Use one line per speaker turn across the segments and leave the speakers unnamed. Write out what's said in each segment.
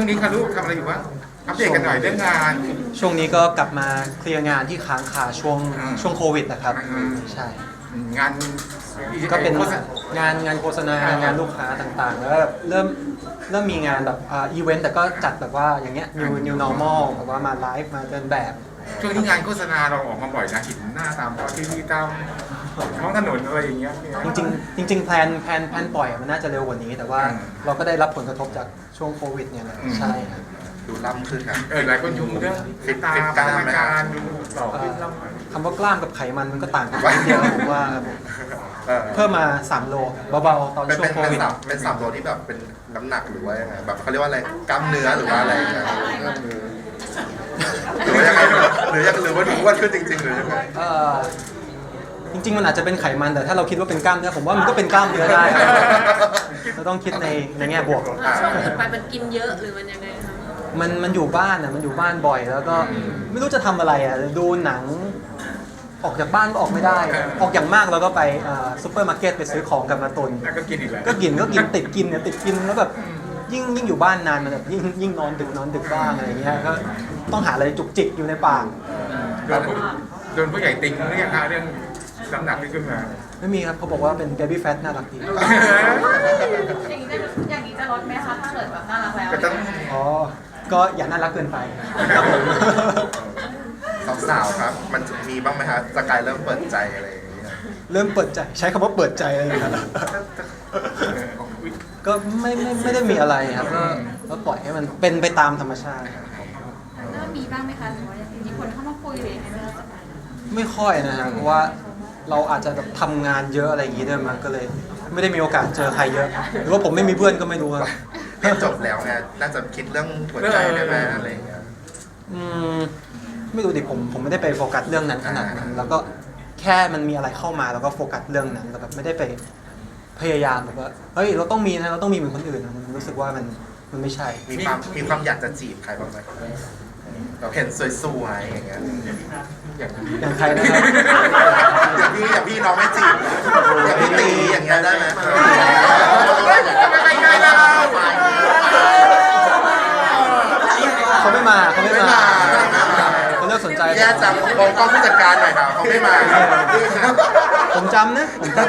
ช่วงนี้ค่ะลูกทำอะไรอยู่วะอัปเดตกันหน่อยเรื่องงาน
ช่วงนี้ก็กลับมาเคลียร์งานที่ค้างคาช่วงโควิดนะครับ ใช่
งาน
ก็เป็นงานโฆษณางานลูกค้าต่างๆ แล้วแบบเริ่มมีงานแบบอีเวนต์แต่ก็จัดแบบว่าอย่างเงี้ย new normal แบบว่ามาไลฟ์มาเดินแบบ
ช่วงนี้งานโฆษณาเราออกมาบ่อยนะเห็นหน้าตามทีวีตามท้องถนนอะไรอย่างเงี้ย
จริงๆแพลนปล่อยมันน่าจะเร็วกว่านี้ แต่ว่าเราก็ได้รับผลกระทบจากช่วงโควิดเนี่ยนะใช่ครับ
ดูล่ำขึ้นนะ
หลายคนยุ่งเรื่องฟิตตามกรรมการดูหล่อฟิตล่ำ
คำว่ากล้ามกับไขมันมันก็ต่างกันนิดเดียวผมว่าครับผมเพิ่มมา3 โลเบาๆตอนช่วงโควิด
เป็นสามโลที่แบบเป็นน้ำหนักหรือว่ายังไงแบบเขาเรียกว่าอะไรกล้ามเนื้อหรือว่าอะไรอย่างเงี้ยหรือว่ายังไงหรือว่าดูอ้วนขึ้นจริงๆหรือยังไง
จริงๆมันอาจจะเป็นไขมันแต่ถ้าเราคิดว่าเป็นกล้ามเนื้อผมว่ามันก็เป็นกล้ามเนื้อได้เราต้องคิดในแง่บวก
ช่วงไปมันกินเยอะหรือมันยังไงคะ
มันอยู่บ้านอ่ะมันอยู่บ้านบ่อยแล้วก็ไม่รู้จะทำอะไรอ่ะดูหนังออกจากบ้านก็ออกไม่ได้ ออกอย่างมากเราก็ไปซูเปอร์มาร์เก็ตไปซื้อของกลับมาตุน
แล้วก็กินอีกแล้ว
ก็กินติดกินเนี่ยติดกินแล้วแบบยิ่งอยู่บ้านนานมันแบบยิ่งนอนดึกบ้างอะไรเงี้ยก็ต้องหาอะไรจุกจิกอยู่ในปาก
โดนผู้ใหญ่ติงเรื่องเรื่องน้ำหนักที่ขึ้นมา
ไม่มีครับเขาบอกว่าเป็น baby fat น่ารักดี
อย่างนี้จะลดไหมคะถ้าเกิดแบบน่ารักแล้ว
ก็ต้อง
อ๋อก็อย่าน่ารักเกินไปครับผม
สาวๆครับ มันจะมีบ้างไหมฮะสกายเริ่มเปิดใจอะไรอย่างเงี้ย
เริ่มเปิดใจใช้คำว่าเปิดใจเลยครับก็ไม่ได้มีอะไรครับก็ปล่อยให้มันเป็นไปตามธรรมชาติครับ
เริ่มมีบ้างไหมคะหรือว่ามีคนเข้ามาคุยหรือยังไงไหมคะ
ไม่ค่อยนะฮะเพราะว่าเราอาจจะแบบทำงานเยอะอะไรอย่างงี้ด้วยมันก็เลยไม่ได้มีโอกาสเจอใครเยอะ หรือว่าผมไม่มีเพื่อนก็ไม่รู้ครับ
เรียนจบแล้วไงน่าจะคิดเรื่องหัวใจได้ไหมอะไรอย่างเงี้ย
อืมไม่รู้ดิผมไม่ได้ไปโฟกัสเรื่องนั้นขนาดนั้นแล้วก็แค่มันมีอะไรเข้ามาแล้วก็โฟกัสเรื่องนั้นแล้วแบบไม่ได้ไปพยายามแบบว่าเฮ้ยเราต้องมีนะเราต้องมีเหมือนคนอื่นนะมันรู้สึกว่ามันไม่ใช่
มีความอยากจะจีบใครบ้างไหมเราเห็นสวยๆอย่างเงี้ย
อย่างใครนะครับ
อย่างพี่น้องไม่จีบอย่างพี่ตีอย่างเงี้ยได้ไหม
ทำไมไปไกลเรา
เขาไม่มาเขาเลิกสนใจ
แย่จังมองกล้องผู้จัดการหน่อยครับเขาไม่มา
ผมจำนะผมจ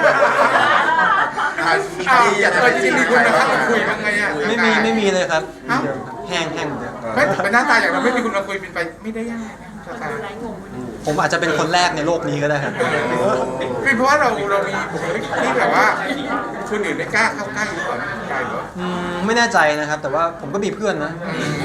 มีใครอยากจะไป
จ
จี
ริง
บ
มี
ใค
คน
ร
มา
บ้าง
เข้า
ไหม
มาคุยบ้างไงอ่ะ
ำไม่มีเลยครับแห้งเหมือนเดิม
ไม่เป็นหน้าตาอย่างเราไม่มีคุณมาคุยเป็นไปไม่ได้ยังไงชะตา
ผมอาจจะเป็นคนแรกในโลกนี้ก็ได้ครับ
เป็นเพราะว่าเรามีบุคลิกที่แบบว่าคนอื่นไม่กล้าเข้าใกล้หรือเปล่าใกล้หรือ
ไม่แน่ใจนะครับ แต่ว่าผมก็มีเพื่อนนะ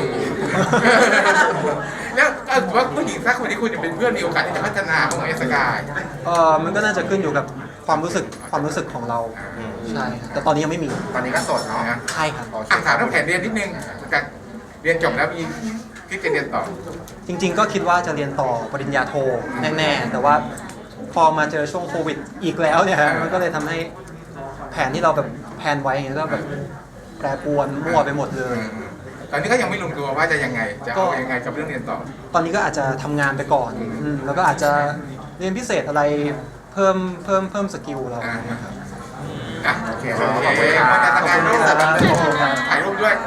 แล้วว่าผู้หญิงสักคนที่คุณจะเป็นเพื่อนมีโอกาสที่จะพัฒนาของเอสกาย
มันก็น่าจะขึ้นอยู่กับความรู้สึกของเราใช่ครับแต่ตอนนี้ยังไม่มี
ตอนนี้ก็โสดเนาะ
ใช่ครับ
ถามเรื่องแผนเรียนนิดนึงการเรียนจบแล้วมีคิดจะเรียนต่อ
จริงๆก็คิดว่าจะเรียนต่อปริญญาโทแน่ๆแต่ว่าพอมาเจอช่วงโควิดอีกแล้วเนี่ยมันก็เลยทำให้แผนที่เราแบบแผนไว้อย่างเงี้ยก็แบบแปรปรวนมั่วไปหมดเลย
ตอนนี้ก็ยังไม่ลงตัวว่าจะยังไงจะเอายังไงกับเรื่องเรียนต่อ
ตอนนี้ก็อาจจะทำงานไปก่อนแล้วก็อาจจะเรียนพิเศษอะไรเพิ่มสกิลเรานะครับ
โอเคขอบคุณครับถ่ายรูปด้วย